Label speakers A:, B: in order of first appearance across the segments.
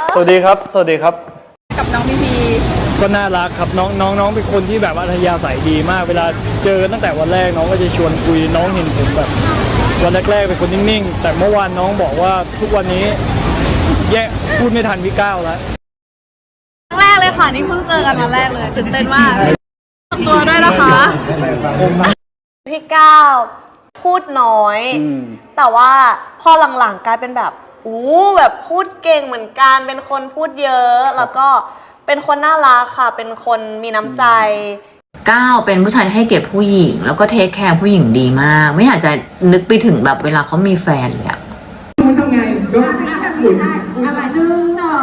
A: สวัสดีครับสวัสดีครับ
B: กับน้องพีพี
A: ก็น่ารักครับน้องเป็นคนที่แบบอัธยาศัยดีมากเวลาเจอตั้งแต่วันแรกน้องก็จะชวนคุยน้องเห็นผมแบบวันแรกๆเป็นคนนิ่งๆแต่เมื่อวานน้องบอกว่าทุกวันนี้แย่พูดไม่ทันพี่ก้าวแล้ว
B: ครั้งแรกเลยค่ะนี่เพิ่งเจอกันวันแรกเลยตื่นเต้นมากตัวด้วยนะคะ
C: พี่ก้าวพูดน้อยแต่ว่าพอหลังๆกลายเป็นแบบแบบพูดเก่งเหมือนกันเป็นคนพูดเยอะแล้วก็เป็นคนน่ารักค่ะเป็นคนมีน้ำใจ
D: ก้าวเป็นผู้ชายที่ให้เกียรติผู้หญิงแล้วก็เทคแคร์ผู้หญิงดีมากไม่อยากจะนึกไปถึงแบบเวลาเขามีแฟนเลยอะ
E: มันทำไงก็หมุนอะไรดึงดอก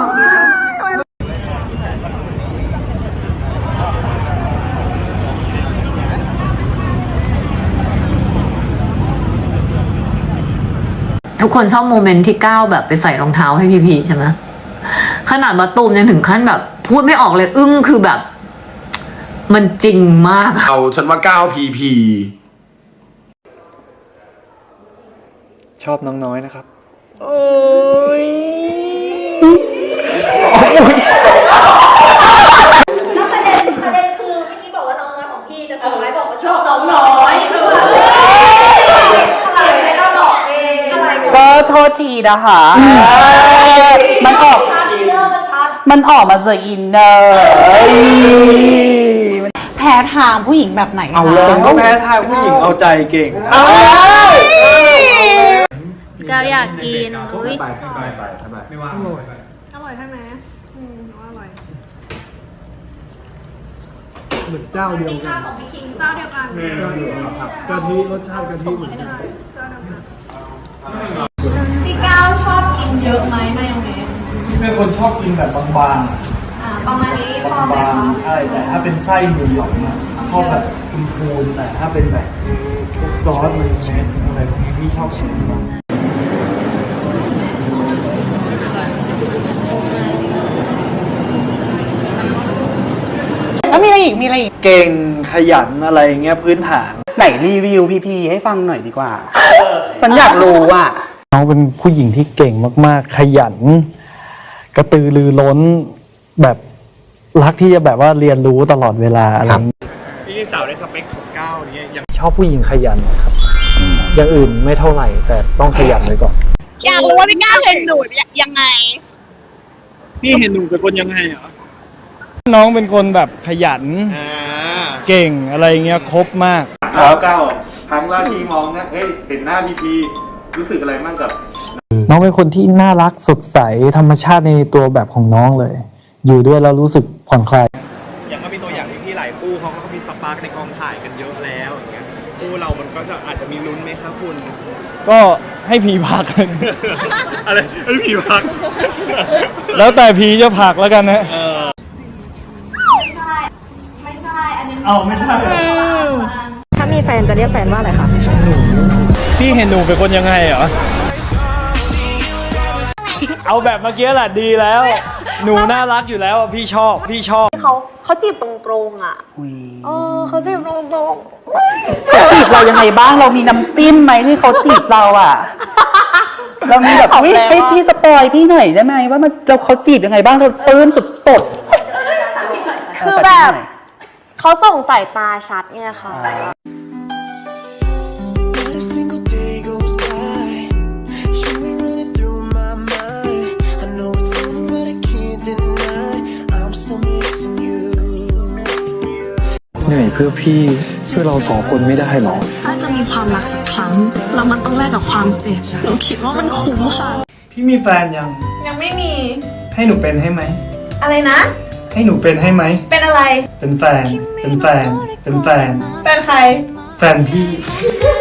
D: ทุกคนชอบโมเมนต์ที่ก้าวแบบไปใส่รองเท้าให้พีพีใช่ไหมขนาดมาตูมยังถึงขั้นแบบพูดไม่ออกเลยอึ้งคือแบบมันจริงมาก
F: เอาฉันว่าก้าวพีพี
A: ชอบน้องน้อยนะครับ
C: โอ้ย
G: แล้วประเด็นคือเมื่อกี้บอกว่าน้องน้อยของพี่แต่สุดท้ายบอกว่าชอบน้องน้อยอะไรไม่ต้องบอกเอง
E: ก็โทษทีนะคะมันออกมาจากอินเนอร์
B: แพ้ทางผู้หญิงแบบไหน
A: เอาเลยก็แพ้ทางผู้หญิงเอาใจเก่ง
B: ก็อยากกินอุ้ย
A: ไป
B: อร่อยใช่ไหมอร่อย
A: เหมือนเจ้าเดียวกัน
G: ของพี่คิงเจ้าเดียวกัน
A: กะทิรสชาติกะทิเหมือนกัน
B: พี่ก้าวชอบกินเยอะไหมมายองเนส
A: เป็นคนชอบกินแบบบาง
B: ประมาณนี้พอไหมคะ
A: ใช่แต่ถ้าเป็นไส้หมูหยองนะชอบแบบพูนแต่ถ้าเป็นแบบซอสมันเนสอะไรพวกนี้พี่ชอบกินมาก
B: แล้วมีอะไรอีก
A: เก่งขยันอะไรเงี้ยพื้นฐาน
E: ไหนรีวิวพีพีให้ฟังหน่อยดีกว่าฉันอยากรู้อ่ะ
A: น้องเป็นผู้หญิงที่เก่งมากๆขยันกระตือรือร้นแบบรักที่จะแบบว่าเรียนรู้ตลอดเวลาอะไร
H: พี่สาวในสเปคของก้าวนี้ยัง
A: ชอบผู้หญิงขยันครับอย่างอื่นไม่เท่าไหร่แต่ต้องขยันไว้ก่อน
B: อยากรู้ว่าพี่ก้าวเห็นหนูยังไง
A: พี่เห็นหนูเป็นคนยังไงเหรอน้องเป็นคนแบบขยันเก่งอะไรเงี้ยครบมาก
H: ก้าวครั้งแรกที่มองนะเฮ้ยเห็นหน้าพีรู้สึกอะไรบ้างกับ
A: น้องเป็นคนที่น่ารักสดใสธรรมชาติในตัวแบบของน้องเลยอยู่ด้วยแล้วรู้สึกผ่อนคลาย
H: อย่างก็มีตัวอย่างที่หลายคู่เขาก็มีสปาร์กในกองถ่ายกันเยอะแล้วอย่างเงี้ยคู่เรามันก็จะอาจจะมีลุ้นไหมครับคุณ
A: ก็ให้ผีพัก
H: อะไรให้ผีพัก
A: แล้วแต่ผีจะพักแล้วกันนะ
B: ไม่ใช่อันนี้
A: ไม่ใช่
B: ถ้ามีแฟนจะเรียกแฟนว่าอะไรคะ
A: พี่เห็นหนูเป็นคนยังไงเหรอเอาแบบเมื่อกี้แหละดีแล้วหนูน่ารักอยู่แล้วพี่ชอบ
C: เขาจีบตรงๆอ่ะเขาจีบตรงๆ
E: เขาจีบเรายังไงบ้างเรามีน้ำจิ้มไหมที่เขาจีบเราอ่ะเรามีแบบให้พี่สปอยพี่หน่อยได้ไหมว่ามันเขาจีบยังไงบ้างเราปลื้มสุด
C: ๆคือแบบเขาส่งสายตาชัดไงค่ะ
A: เหนื่อยเพื่อพี่เพื่อเราสองคนไม่ได้หรอ
B: ถ้าจะมีความรักสักครั้งแล้วมันต้องแลกกับความเจ็บหนูคิดว่ามันคุ้มค่ะ
A: พี่มีแฟน
C: ยังไม่มี
A: ให้หนูเป็นให้ไหม
C: อะไรนะ
A: ให้หนูเป็นให้ไหม
C: เป็นอะไร
A: เป็นแฟนเป็นใคร
C: แฟนพี่